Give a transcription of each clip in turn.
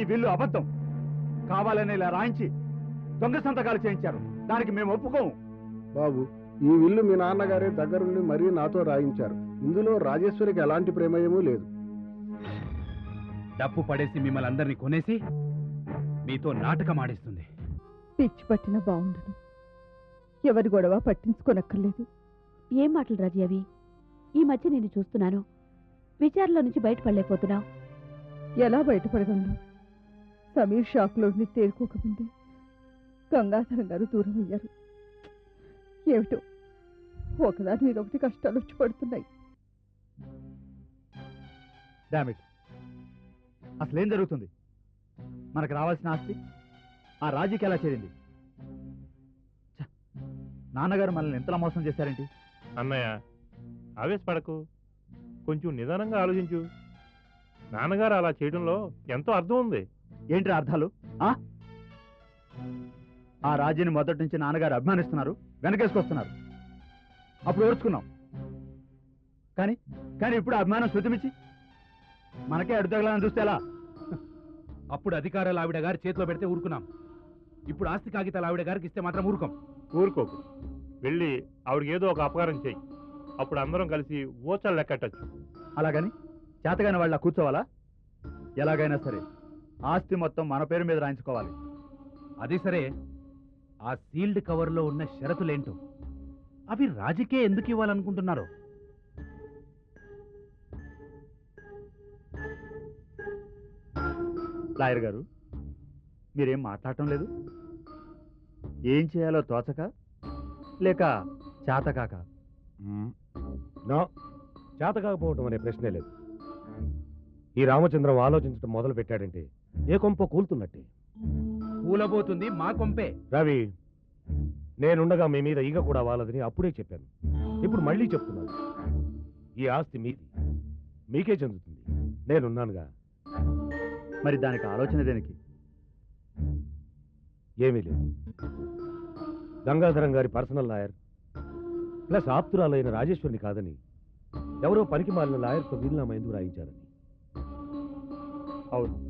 విల్లు అబద్ధం. కావాలని ఇలా రాయించి దొంగ సంతకాలు చేయించారు. దానికి మేము ఒప్పుకోము. బాబు, ఈ విల్లు మీ నాన్నగారే దగ్గరుండి మరీ నాతో రాయించారు. ఇందులో రాజేశ్వరికి ఎలాంటి ప్రమేయమూ లేదు. డప్పు పడేసి మిమ్మల్ని అందరినీ కొనేసి మీతో నాటకం ఆడిస్తుంది. పిచ్చి పట్టిన బాగుండను. ఎవరి గొడవ పట్టించుకోనక్కర్లేదు. ఏం మాటలు రాజీ అవి? ఈ మధ్య నేను చూస్తున్నాను, విచారణలో నుంచి బయటపడలేకపోతున్నావు. ఎలా బయటపడగలను? సమీర్ షాక్లోని తేరుకోకముందే గంగాధరం గారు దూరం అయ్యారు. ఏమిటో ఒకదాని మీద ఒకటి కష్టాలు వచ్చి పడుతున్నాయి. డామిట్, అసలేం జరుగుతుంది? మనకు రావాల్సిన ఆస్తి ఆ రాజీకి ఎలా చేరింది? నాన్నగారు మనల్ని ఎంతలా మోసం చేశారేంటి? అన్నయ్య, ఆవేశపడకు, కొంచెం నిదానంగా ఆలోచించు. నాన్నగారు అలా చేయడంలో ఎంతో అర్థం ఉంది. ఏంటి అర్థాలు? ఆ రాజీని మొదటి నుంచి నాన్నగారు అభిమానిస్తున్నారు, వెనకేసుకొస్తున్నారు. అప్పుడు ఓర్చుకున్నాం. కానీ కానీ ఇప్పుడు అభిమానం శృతిమిచ్చి మనకే అడ్డుతగలని చూస్తే ఎలా? అప్పుడు అధికారాలు ఆవిడ గారి చేతిలో పెడితే ఊరుకున్నాం. ఇప్పుడు ఆస్తి కాగితాలు ఆవిడ గారికి ఇస్తే మాత్రం ఊరుకోం. ఊరుకోకు, వెళ్ళి ఆవిడకి ఏదో ఒక అపకారం చెయ్యి. అప్పుడు అందరం కలిసి ఓచలు లెక్కట్టచ్చు. అలాగని చేతగాని వాళ్ళ కూర్చోవాలా? ఎలాగైనా సరే ఆస్తి మొత్తం మన పేరు మీద రాయించుకోవాలి. అది సరే, ఆ సీల్డ్ కవర్లో ఉన్న షరతులేంటో అవి రాజకీయ ఎందుకు ఇవ్వాలనుకుంటున్నారో? లాయర్ గారు, మీరేం మాట్లాడటం లేదు. ఏం చేయాలో తోచక, లేక చేతకాక? చేత కాకపోవటం అనే ప్రశ్నే లేదు. ఈ రామచంద్రం ఆలోచించడం మొదలు పెట్టాడంటే ఏ కొంప కూలుతున్నట్టే. కూలబోతుంది మా కొంపే. రవి, నేనుండగా మీ మీద ఈగ కూడా వాలదని అప్పుడే చెప్పాను. ఇప్పుడు మళ్ళీ చెప్తున్నాను, ఈ ఆస్తి మీది, మీకే చెందుతుంది. నేనున్నానుగా. మరి దానికి ఆలోచన దేనికి? ఏమీ లేదు. గంగాధరం గారి పర్సనల్ లాయర్ ప్లస్ ఆప్తురాలైన రాజేశ్వరిని కాదని ఎవరో పనికి మాలిన లాయర్తో వీలునామా ఎందుకు రాయించారని. అవును,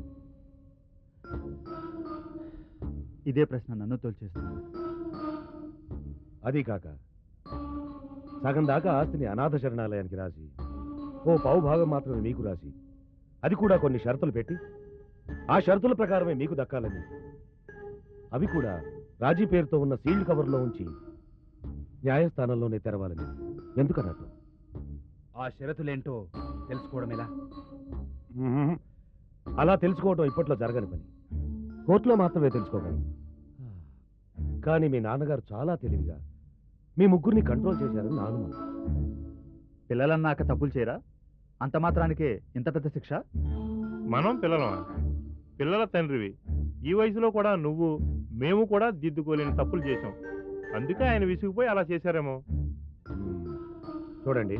ఇదే ప్రశ్న నన్ను తోల్చేస్తున్నాను. అదీ కాక సగం దాకా ఆస్తిని అనాథ శరణాలయానికి రాసి ఓ పావు భాగం మాత్రమే మీకు రాసి, అది కూడా కొన్ని షరతులు పెట్టి ఆ షరతుల ప్రకారమే మీకు దక్కాలని, అవి కూడా రాజీ పేరుతో ఉన్న సీల్డ్ కవర్లో ఉంచి న్యాయస్థానంలోనే తెరవాలని ఎందుకన్నట్టు? ఆ షరతులేంటో తెలుసుకోవడం ఎలా? అలా తెలుసుకోవడం ఇప్పట్లో జరగని పని. కోర్టులో మాత్రమే తెలుసుకోగలను. కానీ మీ నాన్నగారు చాలా తెలివిగా మీ ముగ్గురిని కంట్రోల్ చేశారని నా అనుమానం. పిల్లలన్నాక తప్పులు చేయరా? అంత మాత్రానికే ఇంత పెద్ద శిక్ష? మనం పిల్లలమా? పిల్లల తండ్రివి. ఈ వయసులో కూడా నువ్వు, మేము కూడా దిద్దుకోలేని తప్పులు చేశాం. అందుకే ఆయన విసిగిపోయి అలా చేశారేమో. చూడండి,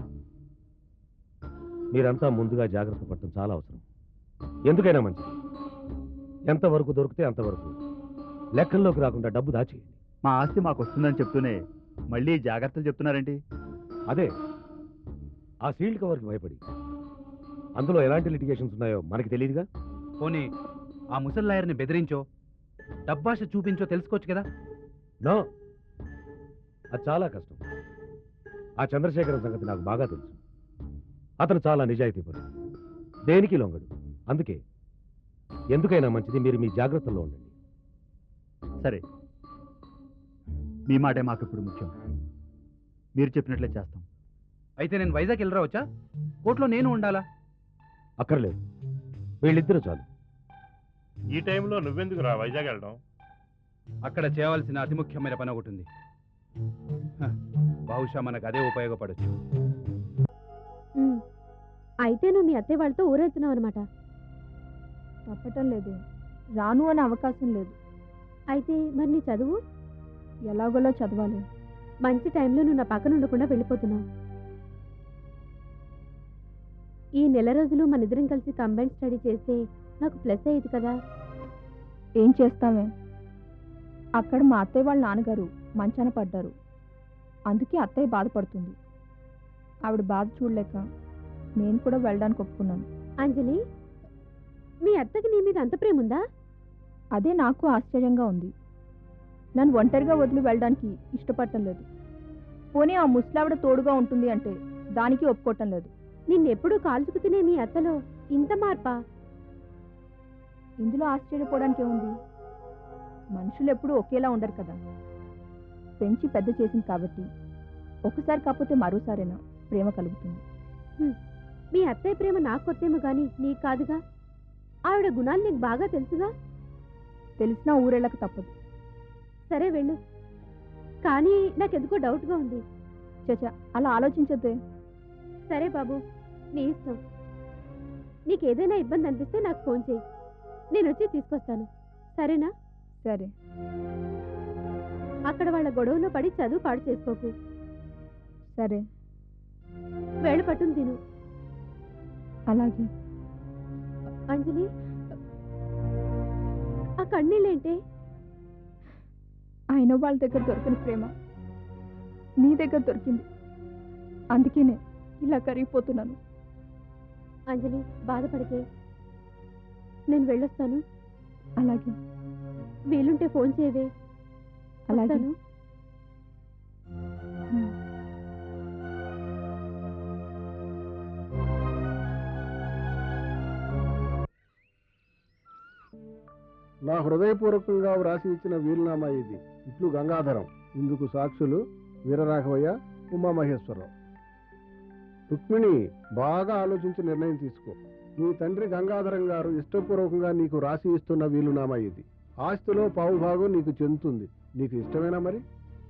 మీరంతా ముందుగా జాగ్రత్త పడటం చాలా అవసరం. ఎందుకైనా మంచిది. ఎంతవరకు దొరికితే అంతవరకు లెక్కల్లోకి రాకుండా డబ్బు దాచేయండి. మా ఆస్తి మాకు వస్తుందని చెప్తూనే మళ్ళీ జాగ్రత్తలు చెప్తున్నారేంటి? అదే, ఆ సీల్డ్ కవర్కి భయపడి. అందులో ఎలాంటి లిటిగేషన్స్ ఉన్నాయో మనకి తెలియదుగా. పోనీ ఆ ముసలి లాయర్ని బెదిరించో, డబ్బాష చూపించో తెలుసుకోవచ్చు కదా. నో, అది చాలా కష్టం. ఆ చంద్రశేఖరం సంగతి నాకు బాగా తెలుసు. అతను చాలా నిజాయితీపరుడు, దేనికి లొంగడు. అందుకే ఎందుకైనా మంచిది మీరు మీ జాగ్రత్తల్లో ఉండండి. సరే, మీ మాటే మాకు ఇప్పుడు ముఖ్యం. మీరు చెప్పినట్లే చేస్తాం. అయితే నేను వైజాగ్ వెళ్ళరావచ్చా? కోర్టులో నేను ఉండాలా? అక్కర్లేదు, వీళ్ళిద్దరూ చాలు. ఈ టైంలో నువ్వెందుకు రా వైజాగ్ వెళ్ళడం? అక్కడ చేయవలసిన అతి ముఖ్యమైన పని ఒకటి ఉంది. బహుశా మనకు అదే ఉపయోగపడచ్చు. అయితే నువ్వు మీ అత్తయ్య వాళ్ళతో ఊరెళ్తున్నావు అనమాట? తప్పటం లేదు, రాను అనే అవకాశం లేదు. అయితే మరి నీ చదువు ఎలాగోలా చదవాలి. మంచి టైంలో నువ్వు నా పక్కన ఉండకుండా వెళ్ళిపోతున్నావు. ఈ నెల రోజులు మన ఇద్దరం కలిసి కంబైన్ స్టడీ చేస్తే నాకు ప్లస్ అయ్యేది కదా. ఏం చేస్తామే, అక్కడ మా అత్తయ్య వాళ్ళ నాన్నగారు మంచాన పడ్డారు. అందుకే అత్తయ్య బాధపడుతుంది. ఆవిడ బాధ చూడలేక నేను కూడా వెళ్ళడానికి ఒప్పుకున్నాను. అంజలి, మీ అత్తకి నీ మీద అంత ప్రేమ ఉందా? అదే నాకు ఆశ్చర్యంగా ఉంది. నన్ను ఒంటరిగా వదిలి వెళ్ళడానికి ఇష్టపడటం లేదు. పోనీ ఆ ముసలావిడ తోడుగా ఉంటుంది అంటే దానికి ఒప్పుకోవటం లేదు. నిన్నెప్పుడూ కాల్చుకు తినే మీ అత్తలో ఇంత మార్పా? ఇందులో ఆశ్చర్యపోవడానికి ఏముంది? మనుషులు ఎప్పుడూ ఒకేలా ఉండరు కదా. పెంచి పెద్ద చేసింది కాబట్టి ఒకసారి కాకపోతే మరోసారైనా ప్రేమ కలుగుతుంది. మీ అత్తయ్య ప్రేమ నాకు కొత్తేమో గాని నీకు కాదుగా. ఆవిడ గుణాలు నీకు బాగా తెలుసుగా. తెలిసినా ఊరెళ్ళక తప్పదు. సరే వెళ్ళు. కానీ నాకెందుకో డౌట్గా ఉంది. చచా, అలా ఆలోచించద్దే. సరే బాబు, నీ ఇష్టం. నీకేదైనా ఇబ్బంది అనిపిస్తే నాకు ఫోన్ చేయి, నేను వచ్చి తీసుకొస్తాను. సరేనా? సరే. అక్కడ వాళ్ళ గొడవలో పడి చదువు పాడు చేసుకోకు. సరే. వేళ పట్టును తిను. అలాగే. అంజలి, ఆ కన్నీళ్ళేంటే? అయిన వాళ్ళ దగ్గర దొరికిన ప్రేమ నీ దగ్గర దొరికింది. అందుకేనే ఇలా కరిగిపోతున్నాను. అంజలి, బాధపడితే నేను వెళ్ళొస్తాను. అలాగే. వీలుంటే ఫోన్ చేయవే. అలాగే. వస్తాను. నా హృదయపూర్వకంగా వ్రాసి ఇచ్చిన వీలునామా ఇది. ఇట్లు గంగాధరం. ఇందుకు సాక్షులు వీరరాఘవయ్య, ఉమామహేశ్వరరావు. రుక్మిణి, బాగా ఆలోచించి నిర్ణయం తీసుకో. నీ తండ్రి గంగాధరం గారు ఇష్టపూర్వకంగా నీకు రాసి ఇస్తున్న వీలునామా ఇది. ఆస్తిలో పావుభాగం నీకు చెందుతుంది. నీకు ఇష్టమేనా మరి?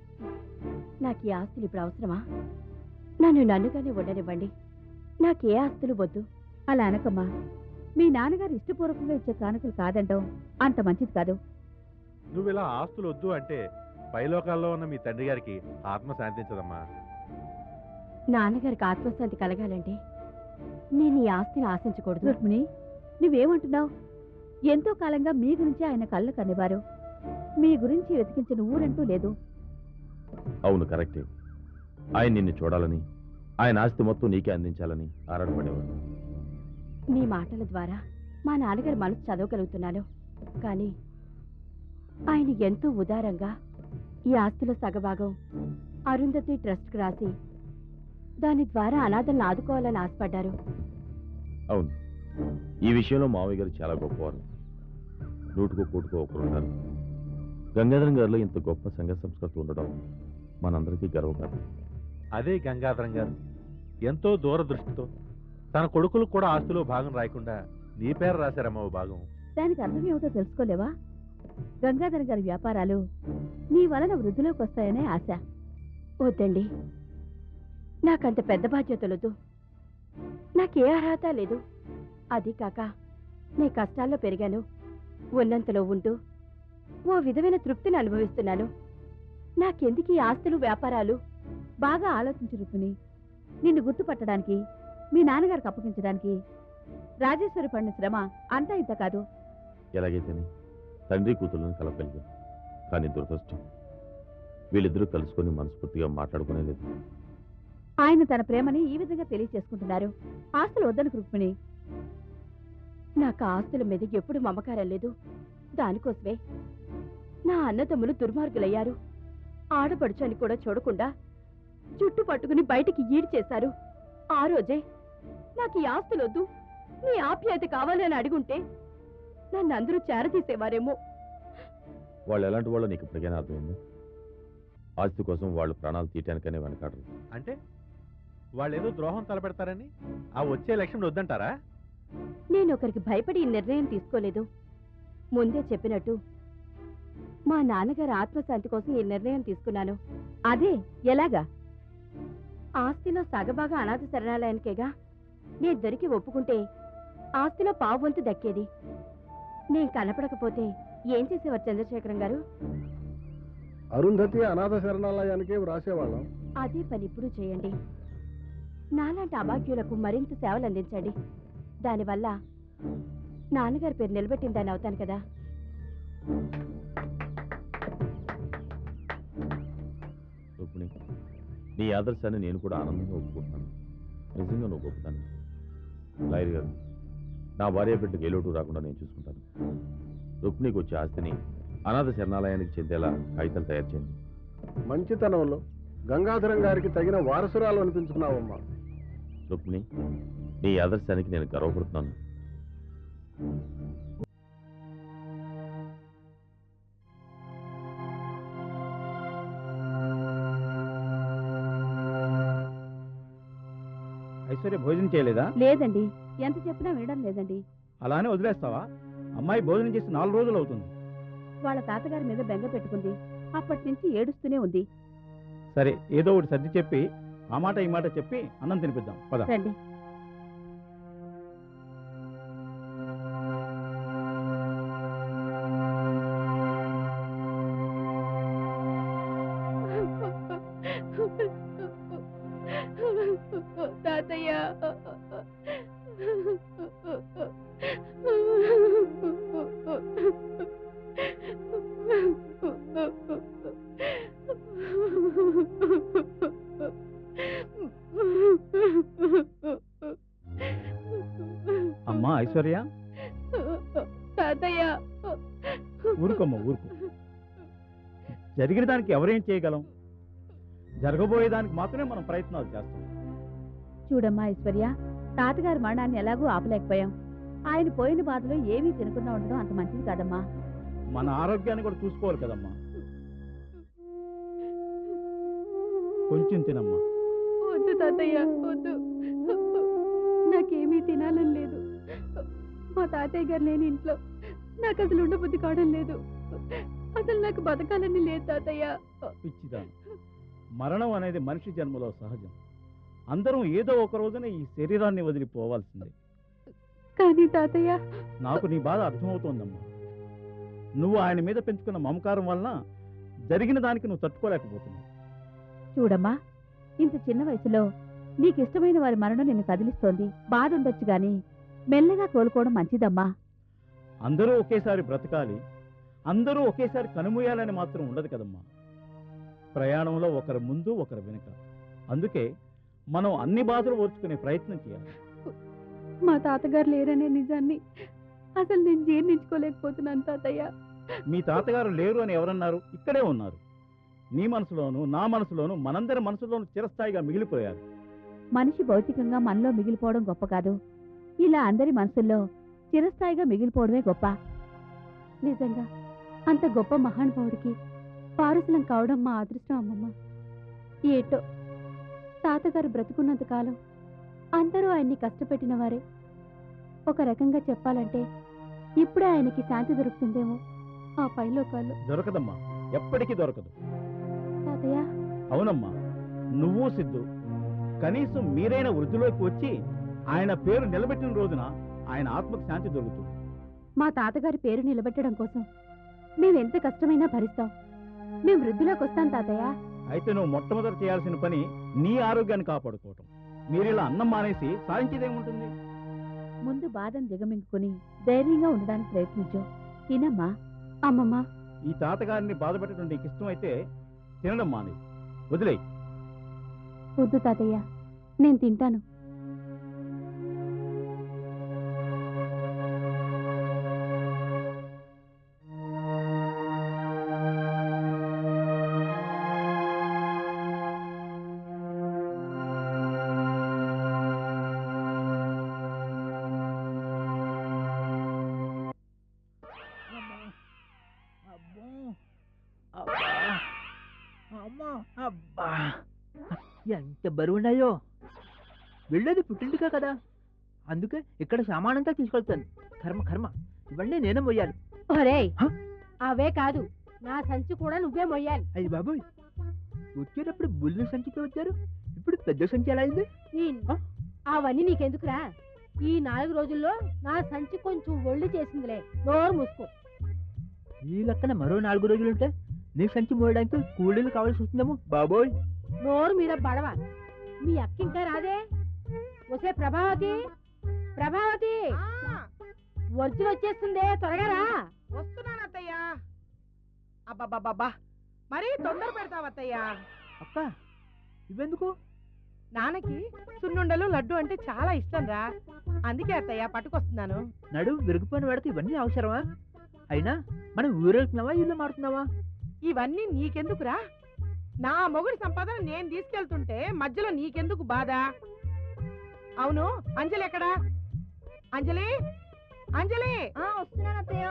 నాకు ఈ ఆస్తులు ఇప్పుడు అవసరమా? నన్నుగానే ఉండనివ్వండి. నాకే ఆస్తులు వద్దు. అలా అనకమ్మా. మీ నాన్నగారు ఇష్టపూర్వకంగా ఇచ్చే కానుకలు కాదంటాం అంత మంచిది కాదు. నువ్వు ఇలా ఆస్తులు వద్దు అంటే పైలోకాల్లో ఉన్న మీ తండ్రి గారికి ఆత్మ శాంతించదమ్మా. నాన్నగారికి ఆత్మశాంతి కలగాలంటే నేను ఈ ఆస్తిని ఆశించకూడదు. రుక్మిణి, నువ్వేమంటున్నావు? ఎంతో కాలంగా మీ గురించి ఆయన కళ్ళు కనేవారు. మీ గురించి వెతికించిన ఊరంటూ లేదు. అవును, కరెక్టే. ఆయన నిన్ను చూడాలని, ఆయన ఆస్తి మొత్తం నీకే అందించాలని ఆరాటపడేవాడు. మీ మాటల ద్వారా మా నాన్నగారి మనసు చదవగలుగుతున్నాను. కానీ ఆయన ఎంతో ఉదారంగా ఈ ఆస్తిలో సగభాగం అరుంధతి ట్రస్ట్కి రాసి దాని ద్వారా అనాథలను ఆదుకోవాలని ఆశపడ్డారు. అవును, ఈ విషయంలో మావయ్య గారు చాలా గొప్పవారు. నూటుకో కోటుకో ఒకరున్నారు. గంగాధరం గారిలో ఇంత గొప్ప సంఘ సంస్కృతి ఉండడం మనందరికీ గర్వకారణం. అదే గంగాధరం గారు ఎంతో దూరదృష్టితో తన కొడుకులకు కూడా ఆస్తిలో భాగం రాయకుండా నీ పేరు రాశారమ్మ ఓ భాగం. దానికి అర్థం ఏమిటో తెలుసుకోలేవా? గంగాధర్ గారి వ్యాపారాలు నీ వలన వృద్ధిలోకి వస్తాయనే ఆశ. వద్దండి, నాకంత పెద్ద బాధ్యతలొద్దు. నాకే అర్హత లేదు. అది కాక నీ కష్టాల్లో పెరిగాను. ఉన్నంతలో ఉంటూ ఓ విధమైన తృప్తిని అనుభవిస్తున్నాను. నాకెందుకు ఈ ఆస్తులు వ్యాపారాలు? బాగా ఆలోచించు రుక్మిణి. నిన్ను గుర్తుపట్టడానికి, మీ నాన్నగారికి అప్పగించడానికి రాజేశ్వరి పడిన శ్రమ అంతా ఇంత కాదు. ఎలాగైతేనే తండ్రి కూతుళ్ళని కలపగలిగాం. కానీ దురదృష్టం, వీళ్ళిద్దరూ కలుసుకొని మనస్ఫూర్తిగా మాట్లాడుకునే లేదు. ఆయన తన ప్రేమని ఈ విధంగా తెలియచేసుకుంటున్నారు. ఆస్తులు వద్దను రుక్మిణి. నాకు ఆస్తుల మీద ఎప్పుడు మమకారం లేదు. దానికోసమే నా అన్నదమ్ములు దుర్మార్గులయ్యారు. ఆడపడుచు అని కూడా చూడకుండా జుట్టు పట్టుకుని బయటికి ఈడు చేశారు. ఆ రోజే నాకు ఈ ఆస్తులొద్దు, నీ ఆప్యాయత కావాలని అడుగుంటే నన్ను అందరూ చేరదీసేవారేమో. వాళ్ళు ఎలాంటి వాళ్ళు నీకు ఇప్పటికైనా అర్థమైందా? ఆస్తి కోసం వాళ్ళు ప్రాణాలు తీయటానికనే వెనకాడరు. అంటే వాళ్ళేదో ద్రోహం తలపెడతారని ఆ వచ్చే ఎలక్షన్ వద్దంటారా? నేను ఒకరికి భయపడి ఈ నిర్ణయం తీసుకోలేదు. ముందే చెప్పినట్టు మా నాన్నగారి ఆత్మశాంతి కోసం ఈ నిర్ణయం తీసుకున్నాను. అదే ఎలాగా? ఆస్తిలో సగభాగం అనాథ శరణాలయానికేగా. నేను దొరికి ఒప్పుకుంటే ఆస్తిలో పావువంతు దక్కేది. నేను కనపడకపోతే ఏం చేసేవారు చంద్రశేఖరం గారు? అరుంధతి అనాథ శరణాలయానికే వ్రాసేవాళ్ళం. అదే పని ఇప్పుడు చేయండి. నాలాంటి అభాగ్యులకు మరింత సేవలు అందించండి. దానివల్ల నాన్నగారి పేరు నిలబెట్టిందని అవుతాను కదా. రుక్మిణి, నీ ఆదర్శాన్ని నేను కూడా ఆనందంగా ఒప్పుకుంటున్నాను. నిజంగా నువ్వు గొప్పతాను. లాయర్ గారు, నా భార్య బిడ్డకు ఏ లోటు రాకుండా నేను చూసుకుంటాను. రుక్మిణికి వచ్చే ఆస్తిని అనాథ శరణాలయానికి చెందేలా కాగితాలు తయారు చేయండి. మంచితనంలో గంగాధరం గారికి తగిన వారసురాలు అనిపించుకున్నావమ్మా. రుక్మిణి, నీ ఆదర్శానికి నేను గర్వపడుతున్నాను. ఐశ్వర్య భోజనం చేయలేదా? లేదండి, ఎంత చెప్పినా వినడం లేదండి. అలానే వదిలేస్తావా? అమ్మాయి భోజనం చేసి 4 రోజులు అవుతుంది. వాళ్ళ తాతగారి మీద బెంగ పెట్టుకుంది. అప్పటి నుంచి ఏడుస్తూనే ఉంది. సరే, ఏదో ఒకటి సర్ది చెప్పి ఆ మాట ఈ మాట చెప్పి అన్నం తినిపిద్దాం. పద. రండి. తాతయ్య, అమ్మా ఐశ్వర్య, తాతయ్య, ఊరుకోమ్మ ఊరుకో. జరిగిన దానికి ఎవరేం చేయగలం? జరగబోయేదానికి మాత్రమే మనం ప్రయత్నాలు చేస్తాం. చూడమ్మా ఐశ్వర్య, తాతగారి మరణాన్ని ఎలాగూ ఆపలేకపోయాం. ఆయన పోయిన బాధలో ఏమీ తినకుండా ఉండడం అంత మంచిది కాదమ్మా. మన ఆరోగ్యాన్ని కూడా చూసుకోవాలి కదమ్మా. కొంచెం తినమ్మా. వద్దు తాతయ్య, వద్దు. నాకేమీ తినాలని లేదు. మా తాతయ్య గారు లేని ఇంట్లో నాకు అసలు ఉండబుద్ధి కావడం లేదు. అసలు నాకు బతకాలని లేదు తాతయ్య. పిచ్చిదాను, మరణం అనేది మనిషి జన్మలో సహజం. అందరం ఏదో ఒక రోజున ఈ శరీరాన్ని వదిలిపోవాల్సిందే. కానీ తాతయ్య, నాకు నీ బాధ అర్థమవుతోందమ్మా. నువ్వు ఆయన మీద పెంచుకున్న మమకారం వలన జరిగిన దానికి నువ్వు తట్టుకోలేకపోతున్నావు. చూడమ్మా, ఇంత చిన్న వయసులో నీకు ఇష్టమైన వారి మరణం నిన్ను కదిలిస్తోంది. బాధ ఉండొచ్చు గాని మెల్లగా కోలుకోవడం మంచిదమ్మా. అందరూ ఒకేసారి బ్రతకాలి, అందరూ ఒకేసారి కనుమూయాలని మాత్రం ఉండదు కదమ్మా. ప్రయాణంలో ఒకరు ముందు ఒకరు వెనుక. అందుకే మనం అన్ని బాధలు ఓర్చుకునే ప్రయత్నం చేయాలి. మా తాతగారు లేరనే నిజాన్ని అసలు నేను జీర్ణించుకోలేకపోతున్నాను తాతయ్య. మీ తాతగారు లేరు అని ఎవరన్నారు? ఇక్కడే ఉన్నారు. నీ మనసులోను నా మనసులోను మనందరి మనసులోను చిరస్థాయిగా మిగిలిపోయారు. మనిషి భౌతికంగా మనలో మిగిలిపోవడం గొప్ప కాదు, ఇలా అందరి మనసుల్లో చిరస్థాయిగా మిగిలిపోవడమే గొప్ప. నిజంగా అంత గొప్ప మహానుభావుడికి పారసులం కావడం మా అదృష్టం అమ్మమ్మ. ఏటో తాతగారు బ్రతుకున్నంత కాలం అందరూ ఆయన్ని కష్టపెట్టిన వారే. ఒక రకంగా చెప్పాలంటే ఇప్పుడే ఆయనకి శాంతి దొరుకుతుందేమో ఆ పైలోకాల్లో. దొరకదమ్మా, ఎప్పటికీ దొరకదు. తాతయ్య, అవునమ్మా, నువ్వు సిద్ధు కనీసం మీరైన వృద్ధిలోకి వచ్చి ఆయన పేరు నిలబెట్టిన రోజున ఆయన ఆత్మకు శాంతి దొరుకుతుంది. మా తాతగారి పేరు నిలబెట్టడం కోసం మేమెంత కష్టమైనా భరిస్తాం. మేము వృద్ధిలోకి వస్తాం తాతయ్య. అయితే నువ్వు మొట్టమొదటి చేయాల్సిన పని నీ ఆరోగ్యాన్ని కాపాడుకోవటం. మీరిలా అన్నం మానేసి సాధించేదేముంటుంది? ముందు బాధను దిగమింగుకుని ధైర్యంగా ఉండడానికి ప్రయత్నించు. తినమ్మా. అమ్మమ్మ, ఈ తాతగారిని బాధపెట్టడం నీకు ఇష్టమైతే తినడం మానే, వదిలేయ్. వద్దు తాతయ్య, నేను తింటాను. ఎంత బరువున్నాయో. వెళ్ళేది పుట్టింటికే కదా, అందుకే ఇక్కడ సామానంతా తీసుకెళ్తాను. కర్మ కర్మ, ఇవన్నీ నేనే మొయ్యాలి. ఒరేయ్, అవే కాదు, నా సంచి కూడా నువ్వే మొయ్యాలి. అయ్యి బాబోయ్, వచ్చేటప్పుడు బుల్లి సంచితో వచ్చారు, ఇప్పుడు పెద్ద సంచి ఎలా అయింది? అవన్నీ నీకెందుకురా? ఈ 4 రోజుల్లో నా సంచి కొంచెం ఒళ్ళు చేసిందిలే. నోరు మూసుకో. ఈ లెక్కన మరో 4 రోజులుంటే నీ సంచి మోయడానికి కూలీలు కావాల్సి వస్తుందేమో బాబోయ్. నోరు మీద పడవ. మీ అక్క ఇంకా రాదే? వసే ప్రభావతి, ప్రభావతి, వర్జులు వచ్చేస్తుందే, త్వరగా రా. వస్తున్నాను అత్తయ్య. అబ్బబ్బబ్బా, మరీ తొందర పెడతావు అత్తయ్య. అక్క, ఇవెందుకు? నాన్నకి సున్నుండలు లడ్డు అంటే చాలా ఇష్టం రా. అందుకే అత్తయ్య పట్టుకొస్తున్నాను. నడు విరిగిపోయిన వాడికి ఇవన్నీ అవసరమా? అయినా మనం ఊరెళ్తున్నావా ఇల్లు మారుతున్నావా? ఇవన్నీ నీకెందుకురా? నా మొగుడి సంపాదన నేను తీసుకెళ్తుంటే మధ్యలో నీకెందుకు బాధ? అవును, అంజలి ఎక్కడా? అంజలి, అంజలి! వస్తున్నాను అత్తయ్య.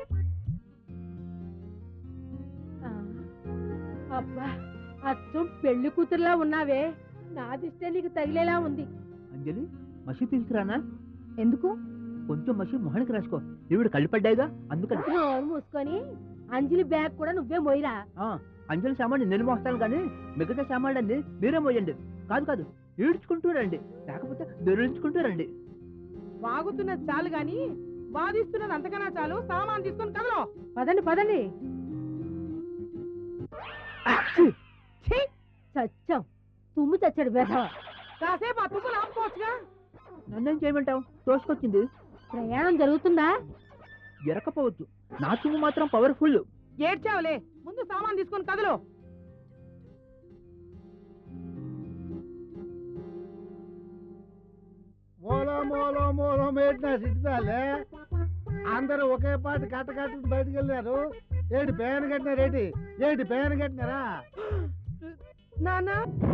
అబ్బా, అచ్చం పెళ్లి కూతురులా ఉన్నావే. నా దిష్టే నీకు తగిలేలా ఉంది. అంజలి, మసి తీసుకురానా? ఎందుకు? కొంచెం మసి మొహానికి రాసుకో. ఈవిడ కళ్ళు పడ్డాయిగా, అందుకని. నోరు మూసుకొని అంజలి బ్యాగ్ కూడా నువ్వే మోయిరా. అంజలి సామాన్ నేను మోస్తాను కానీ మిగతా సామాన్లు అన్ని మీరే మోయండి. కాదు కాదు, ఈడ్చుకుంటూ రండి, లేకపోతే దొరించుకుంటూ రండి. వాగుతున్నది చాలు గాని వాదిస్తున్నది అంతకన్నా చాలు. సామాన్ తీసుకొని కదలో. పదండి పదండి. చచ్చాం, తుమ్ము చచ్చాడు బేధవ. కాసేపు ఆ తుమ్ములు ఆపుకోవచ్చుగా. నన్నేం చేయమంటావు? తోసుకొచ్చింది. ప్రయాణం జరుగుతుందా? ఎరకపోవచ్చు, నా తుమ్ము మాత్రం పవర్ఫుల్. ఏడ్చావులే, ముందు సామాన్ తీసుకొని కదలో. మూలో మూలో మూలో పెట్టిన సిట్టాలే అందరూ ఒకే పాటి కట్ట కట్టి బయటకు వెళ్ళారు. ఏంటి పేన కట్టినారేంటి? ఏంటి పేన కట్టినారా? నాన్న